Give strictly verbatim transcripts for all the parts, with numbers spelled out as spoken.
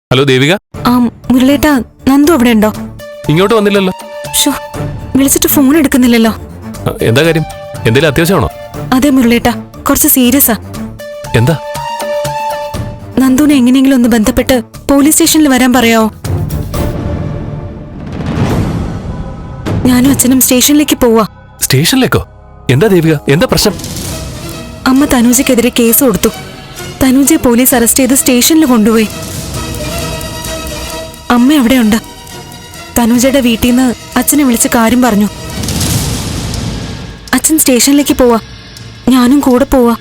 Hello Devika. ആ മുരളേട്ടാ, നന്ദു അവിടെ ഉണ്ടോ? ഇങ്ങോട്ട് വന്നില്ലല്ലോ. ഷോ, വിളിച്ചിട്ട് ഫോൺ എടുക്കുന്നില്ലല്ലോ. എന്താ കാര്യം? എന്തെങ്കിലും അത്യാവശ്യമാണോ? അതെ മുരളേട്ടാ, കുറച്ച് സീരിയസാ. എന്താ? നന്ദുവിനെ എങ്ങനെയെങ്കിലും ഒന്ന് ബന്ധപ്പെട്ട് പോലീസ് സ്റ്റേഷനിൽ വരാൻ പറയാവോ? ഞാനും അച്ഛനും സ്റ്റേഷനിലേക്ക് പോവാ. സ്റ്റേഷനിലേക്കോ? എന്താ ദേവിക, എന്താ പ്രശ്നം? അമ്മ തനൂജയ്ക്കെതിരെ കേസ് കൊടുത്തു. തനൂജയെ പോലീസ് അറസ്റ്റ് ചെയ്ത് സ്റ്റേഷനിൽ കൊണ്ടുപോയി. അമ്മ അവിടെയുണ്ട്. തനൂജയുടെ വീട്ടിൽ നിന്ന് അച്ഛനെ വിളിച്ച് കാര്യം പറഞ്ഞു. അച്ഛൻ സ്റ്റേഷനിലേക്ക് പോവാ, ഞാനും കൂടെ പോവാ.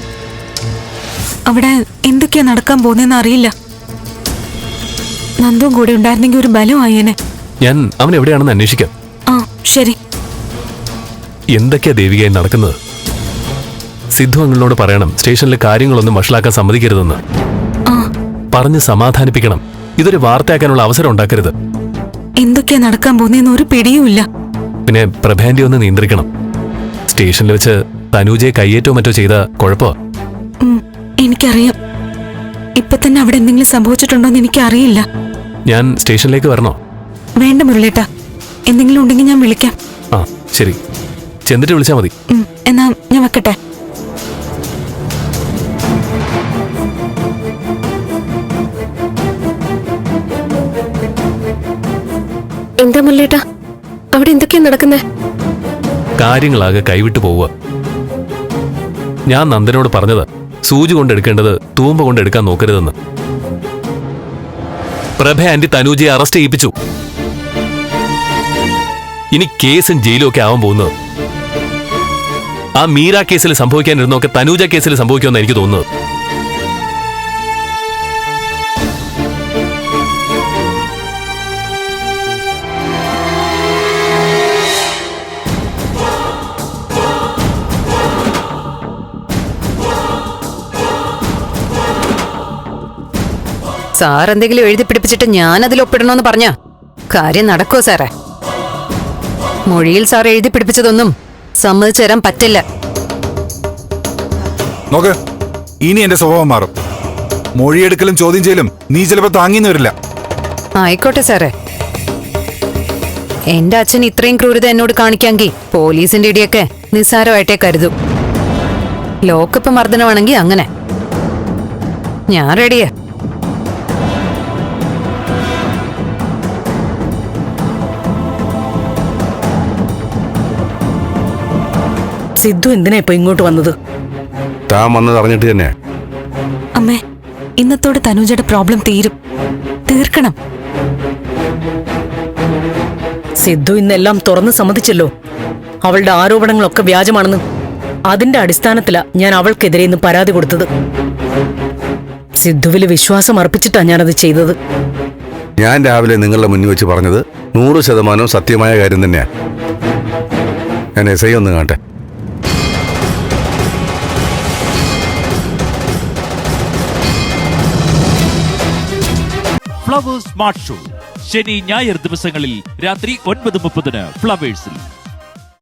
അവിടെ എന്തൊക്കെയാ നടക്കാൻ പോകുന്നതെന്ന് അറിയില്ല. നന്ദുവും കൂടെ ഉണ്ടായിരുന്നെങ്കിൽ ഒരു ബലമായേനെ. ഞാൻ അവൻ എവിടെയാണെന്ന് അന്വേഷിക്കാം. ആ ശരി. എന്തൊക്കെയാ ദേവികയായി നടക്കുന്നത്? സിദ്ധു അങ്ങളോട് പറയണം സ്റ്റേഷനിലെ കാര്യങ്ങളൊന്നും വഷളാക്കാൻ സമ്മതിക്കരുതെന്ന്. ആ പറഞ്ഞ് സമാധാനിപ്പിക്കണം. ഇതൊരു വാർത്തയാക്കാനുള്ള അവസരം ഉണ്ടാക്കരുത്. എന്തൊക്കെയാ നടക്കാൻ പോകുന്നതെന്ന് ഒരു പിടിയുമില്ല. പിന്നെ പ്രഭാന്റി ഒന്ന് നിയന്ത്രിക്കണം. സ്റ്റേഷനിൽ വെച്ച് തനൂജയെ കയ്യേറ്റോ മറ്റോ ചെയ്ത കുഴപ്പമോ? എനിക്കറിയാം. ഇപ്പൊ തന്നെ അവിടെ എന്തെങ്കിലും സംഭവിച്ചിട്ടുണ്ടോന്ന് എനിക്കറിയില്ല. ഞാൻ സ്റ്റേഷനിലേക്ക് വരണോ? വേണ്ട മുരളേട്ടാ, എന്തെങ്കിലും ഉണ്ടെങ്കിൽ ഞാൻ വിളിക്കാം. ആ ശരി, ചെന്നിട്ട് വിളിച്ചാൽ മതി. എന്നാ ഞാൻ വെക്കട്ടെ. എന്താ മുരളേട്ടാ, അവിടെ എന്തൊക്കെയാ നടക്കുന്നേ? കാര്യങ്ങളാകെ കൈവിട്ടു പോവുക. ഞാൻ നന്ദനോട് പറഞ്ഞത് സൂചി കൊണ്ടെടുക്കേണ്ടത് തൂമ്പ കൊണ്ടെടുക്കാൻ നോക്കരുതെന്ന്. പ്രഭ ആന്റി തനൂജയെ അറസ്റ്റ് ചെയ്യിപ്പിച്ചു. ഇനി കേസും ജയിലും ഒക്കെ ആവാൻ പോകുന്നത്. ആ മീര കേസിൽ സംഭവിക്കാനിരുന്നൊക്കെ തനൂജ കേസിൽ സംഭവിക്കുമെന്ന് എനിക്ക് തോന്നുന്നത്. സാർ എന്തെങ്കിലും എഴുതി പിടിപ്പിച്ചിട്ട് ഞാൻ അതിൽ ഒപ്പിടണമെന്ന് പറഞ്ഞ കാര്യം നടക്കുമോ സാറേ? മൊഴിയിൽ സാർ എഴുതി പിടിപ്പിച്ചതൊന്നും സമ്മതിച്ചു തരാൻ പറ്റില്ല. നോക്ക്, ഇനി എന്റെ സ്വഭാവം മാറും. മൊഴിയെടുക്കലും ചോദ്യം ചെയ്യലും നീ ചിലപ്പോ താങ്ങിന്ന് വരില്ല. ആയിക്കോട്ടെ സാറേ. എന്റെ അച്ഛൻ ഇത്രയും ക്രൂരത എന്നോട് കാണിക്കാമെങ്കിൽ പോലീസിന്റെ ഇടിയൊക്കെ നിസ്സാരമായിട്ടേ കരുതും. ലോക്കപ്പ് മർദ്ദനമാണെങ്കിൽ അങ്ങനെ. ഞാൻ റെഡിയാ. സിദ്ധു എന്തിനാ ഇപ്പൊ ഇങ്ങോട്ട് വന്നത്? താൻ വന്നത് അറിഞ്ഞിട്ട് തന്നെ. അമ്മേ, ഇന്നത്തോടെ തനൂജയുടെ പ്രോബ്ലം തീരും. തീർക്കണം. സിദ്ധു ഇന്നെല്ലാം തുറന്ന് സമ്മതിച്ചല്ലോ. അവളുടെ ആരോപണങ്ങളൊക്കെ വ്യാജമാണെന്ന്. അതിന്റെ അടിസ്ഥാനത്തിലാ ഞാൻ അവൾക്കെതിരെ ഇന്ന് പരാതി കൊടുത്തത്. സിദ്ധുവില് വിശ്വാസം അർപ്പിച്ചിട്ടാ ഞാനത് ചെയ്തത്. ഞാൻ രാവിലെ നിങ്ങളുടെ മുന്നിൽ വെച്ച് പറഞ്ഞത് നൂറ് ശതമാനം സത്യമായ കാര്യം തന്നെയാ. ഞാൻ എസ് ഐ ഒന്ന് കാണട്ടെ. ഫ്ലവേഴ്സ് സ്മാർട്ട് ഷോ ശനി ഞായർ ദിവസങ്ങളിൽ രാത്രി ഒൻപത് മുപ്പതിന് ഫ്ലവേഴ്സിൽ.